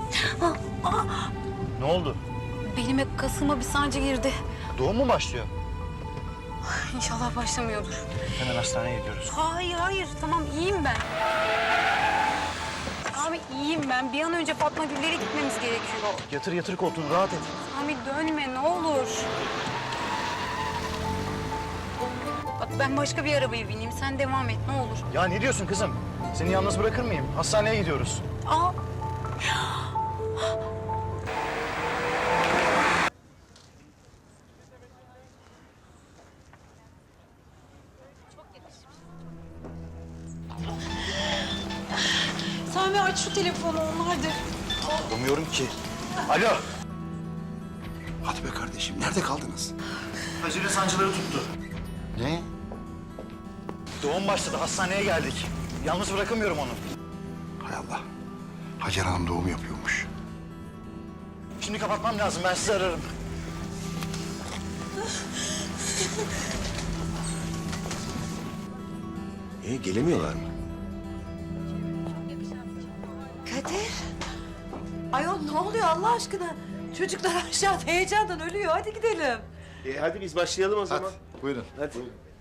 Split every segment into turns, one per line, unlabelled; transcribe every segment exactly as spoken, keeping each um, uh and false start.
Ah, ah.
Ne oldu?
Belime, kasıma bir sancı girdi.
Doğum mu başlıyor?
İnşallah başlamıyordur.
Hemen hastaneye gidiyoruz.
Hayır, hayır. Tamam, iyiyim ben. Sami, iyiyim ben. Bir an önce Fatma Güller'e gitmemiz gerekiyor.
Yatır yatır koltuğunu, rahat et.
Sami dönme, ne olur. Bak ben başka bir arabaya bineyim. Sen devam et, ne olur.
Ya ne diyorsun kızım? Seni yalnız bırakır mıyım? Hastaneye gidiyoruz.
Aa. Sami aç şu telefonu, onlardır.
Bulamıyorum ki. Alo.
Hadi be kardeşim, nerede kaldınız?
Acile sancıları tuttu.
Ne?
Doğum başladı, hastaneye geldik. Yalnız bırakamıyorum onu.
Hay Allah. Hacer Hanım doğum yapıyormuş.
Şimdi kapatmam lazım, ben sizi ararım.
E gelemiyorlar mı?
Kadir. Ayol ne oluyor Allah aşkına? Çocuklar aşağıda heyecandan ölüyor. Hadi gidelim.
E, hadi biz başlayalım o zaman.
Buyurun.
Hadi.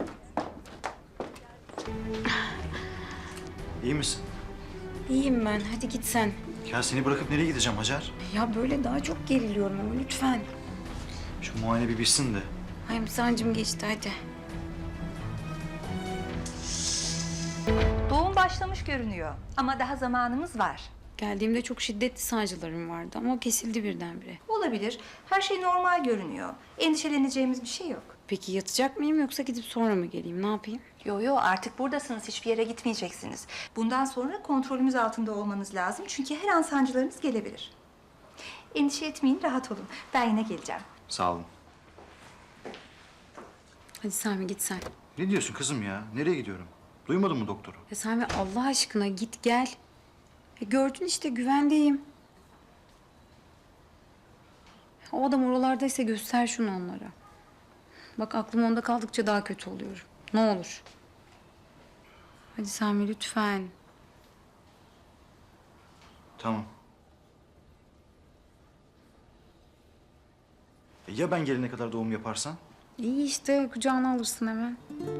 İyi misin?
İyiyim ben, hadi git sen.
Ya seni bırakıp nereye gideceğim Hacer?
Ya böyle daha çok geriliyorum ama lütfen.
Şu muayene bir bitsin de.
Ay sancım geçti, hadi.
Doğum başlamış görünüyor ama daha zamanımız var.
Geldiğimde çok şiddetli sancılarım vardı ama o kesildi birdenbire.
Olabilir. Her şey normal görünüyor. Endişeleneceğimiz bir şey yok.
Peki yatacak mıyım yoksa gidip sonra mı geleyim, ne yapayım?
Yo yo artık buradasınız. Hiçbir yere gitmeyeceksiniz. Bundan sonra kontrolümüz altında olmanız lazım. Çünkü her an sancılarınız gelebilir. Endişe etmeyin, rahat olun. Ben yine geleceğim.
Sağ olun.
Hadi Sami git sen.
Ne diyorsun kızım ya? Nereye gidiyorum? Duymadın mı doktoru?
Ya Sami Allah aşkına git gel. E gördün işte güvendeyim. O adam oralardaysa göster şunu onlara. Bak aklım onda kaldıkça daha kötü oluyorum. Ne olur. Hadi Sami lütfen.
Tamam. E ya ben gelene kadar doğum yaparsan?
İyi işte kucağına alırsın hemen.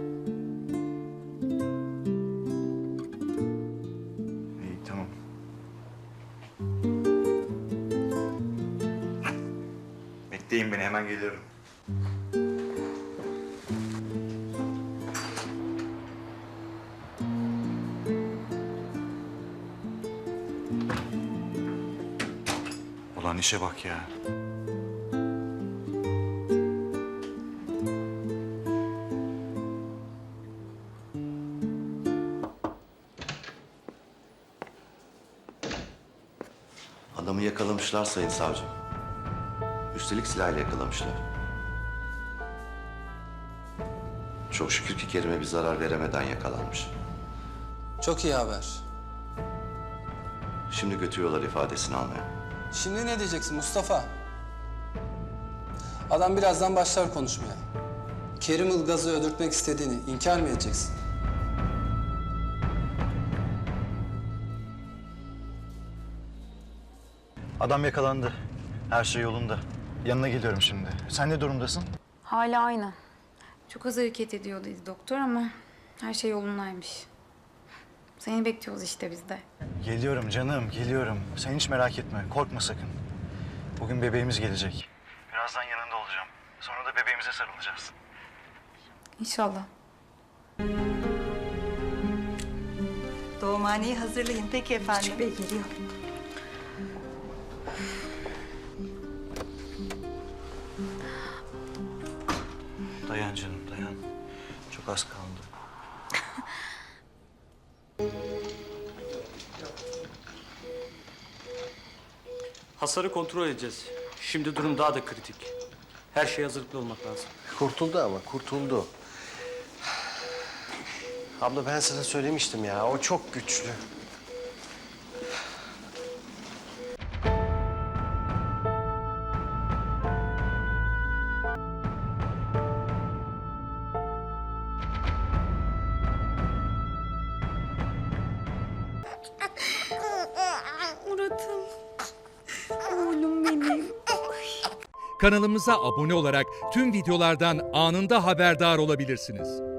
İyi tamam. Bekleyin beni, hemen geliyorum. Ulan işe bak ya.
Adamı yakalamışlar sayın savcım. Üstelik silahla yakalamışlar. Çok şükür ki Kerim'e bir zarar veremeden yakalanmış.
Çok iyi haber.
Şimdi götürüyorlar ifadesini almaya.
Şimdi ne diyeceksin Mustafa? Adam birazdan başlar konuşmaya. Kerim Ilgaz'ı öldürtmek istediğini inkar mı edeceksin?
Adam yakalandı. Her şey yolunda. Yanına geliyorum şimdi. Sen ne durumdasın?
Hala aynı. Çok az hareket ediyor dedi doktor ama her şey yolundaymış. Seni bekliyoruz işte biz de.
Geliyorum canım, geliyorum. Sen hiç merak etme, korkma sakın. Bugün bebeğimiz gelecek. Birazdan yanında olacağım. Sonra da bebeğimize sarılacağız.
İnşallah.
Doğumhaneyi hazırlayın. Peki efendim.
Küçük Bey geliyor.
Dayan canım, dayan. Çok az kaldı.
Hasarı kontrol edeceğiz. Şimdi durum daha da kritik. Her şeye hazırlıklı olmak lazım.
Kurtuldu ama kurtuldu. Abla ben sana söylemiştim ya, o çok güçlü.
Murat'ım.
Kanalımıza abone olarak tüm videolardan anında haberdar olabilirsiniz.